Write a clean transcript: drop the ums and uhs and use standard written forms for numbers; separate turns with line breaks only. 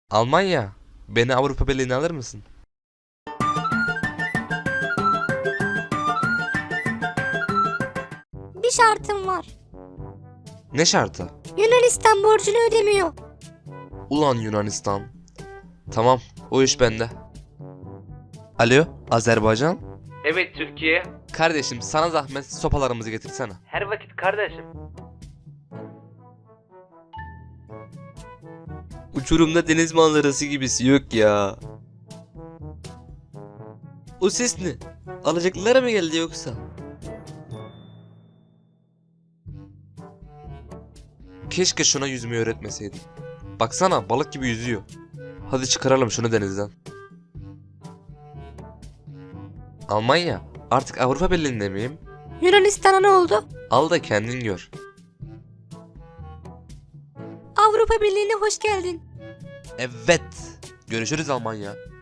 Almanya, beni Avrupa Birliği'ne alır mısın?
Bir şartım var.
Ne şartı?
Yunanistan borcunu ödemiyor.
Ulan Yunanistan. Tamam, o iş bende. Alo, Azerbaycan?
Evet Türkiye.
Kardeşim sana zahmet sopalarımızı getirsene.
Her vakit kardeşim.
Uçurumda deniz manzarası gibisi yok ya. O ses ne? Alacaklılara mı geldi yoksa? Keşke şuna yüzmeyi öğretmeseydim. Baksana balık gibi yüzüyor. Hadi çıkaralım şunu denizden. Almanya, artık Avrupa Birliği'nde miyim?
Yunanistan'a ne oldu?
Al da kendin gör.
Avrupa Birliği'ne hoş geldin.
Evet. Görüşürüz Almanya.